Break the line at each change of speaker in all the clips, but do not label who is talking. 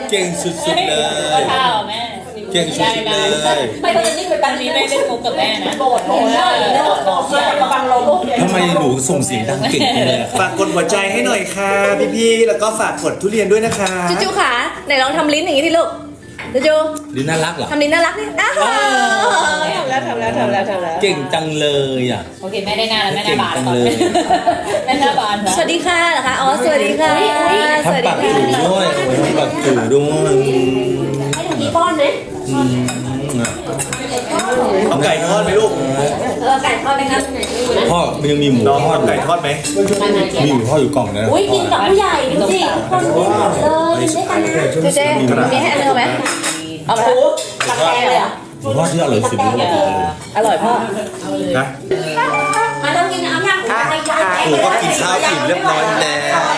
เก่งสุดๆเลย
ก็ท่าเหรอแม่เก่งสุดๆเลยไม่ตอนนี้ไปปันนี้ไม่เล่นมุกกับแม่นะโกรธกระบังลม
ทำไมหนูส่งเสียงดังเก่งจังเลย
ฝากกดหัวใจให้หน่อยค่ะพี่ๆแล้วก็ฝากกดทุเรียนด้วยนะคะ
จูขาไหนลองทำลิ้นอย่างนี้ดิลูกจู
ลิ้นน่ารักเหรอ
ทำลิ้นน่ารักนี่อ้าวทำแล้ว
เก่งจังเลยอ่ะ
โอเคแม่ได้งานแล้วแม่หน้าบานแล้วแม่หน้าบาน
สวัสดีค่ะเหรอคะอ๋อสวัสดีค่ะสวัส
ทำ
ดี
ปาก
ค่ะ
จู่ด้วยโอ้ยทำปากจู่ด้วย
ให้หนูกี่ป้อนไหม
อืม
เอาไก่ทอดไหมลูก
ไก่ทอดไหมครับ
พ่อมันยังมีหมู
น้อง
ทอด
เอาไก่ทอดไหม
มีหมูทอดอยู่กล่องนะ
อุ้ยกินกับผู้ใหญ่ดูสิคนกินเลยกินด้วยกันนะเจ๊มีให้อันนึงเอาไหมเอาไหมตักแกงเลยอ่ะ
หมูทอดที่อร่อยสุดในโลกเลย
อร่อยพ่อ
นะ
มาต้องกินน้ำยัง
หนูก็กินข้าวอิ่มเรียบร้อยแล้ว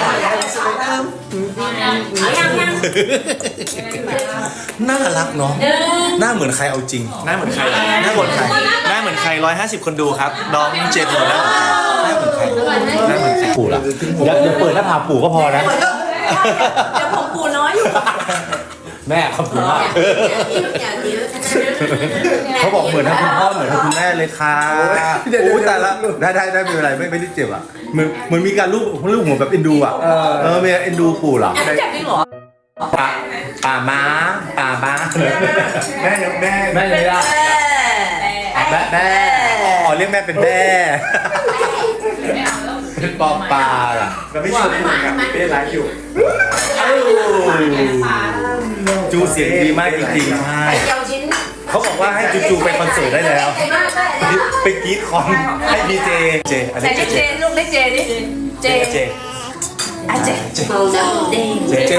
น่ารักเนาะหน้าเหมือนใครเอาจริง
หน้าเหมือนใครหน้าเหมือนใครหน้าเหมือนใคร150คนดูครับน้องเจนหัวหน้าเหมือนใครหน้าเหมือนใคร
ปู่ล่ะอย่าเปิดหน้าผากปู่ก็พอนะ
เดี๋ยวผมปูน้อยอยู่
แม่ขอบคุณมากเขาบอกเหมือนทั้งคุณพ่อเหมือนทั้งคุณแม่เลยค่ะโอ้ยตายละได้ไม่เป็นไรไม่ได้เจ็บอ่ะเหมือนมีการลูบหัวแบบเอ็นดูอ่ะมีเอ็นดูปู่เหรอ
จับจริงเหรอ
ป่าม้าแม่เลยอ่ะแม่อ๋อเรียกแม่เป็นแม่เป็นปอปลาอ่ะ
เราไม่ชวนคุยกับเป็นไลฟ์อยู่
จูเสียงดีมากจริงๆใช่
เดียวชิ้น
เขาบอกว่าให้จูไปคอนเสิร์ตได้แล้วไปกรีดคอนให้พีเจอัน
ใส่
นี้
เจลูกเล็กเจดิเจ
เจ
อ่ะเจเจ
เจ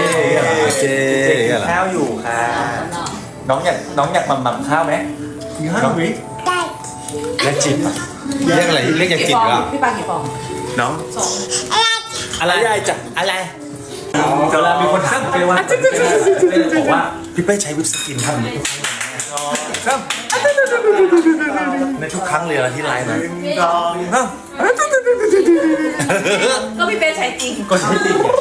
อะไร
ข้าวอยู่ค่ะน้องอยากมั่มข้าวไหมน้องวิเรียกจิบอ่ะ
เรียกอะไรเรียกยากินเหรอ
พี่ปากี่ฟอง
น้อง
อะไรจ้ะอะไร
เวลามีคนทักไปว่าบอกว่าพี่เป้ใช้วิปสกินทำอย่างนี้ครับในทุกครั้งเลยนะที่ไลฟ์นะ
ก็พี่เป้ใช้จริง
ก็ใช้จริง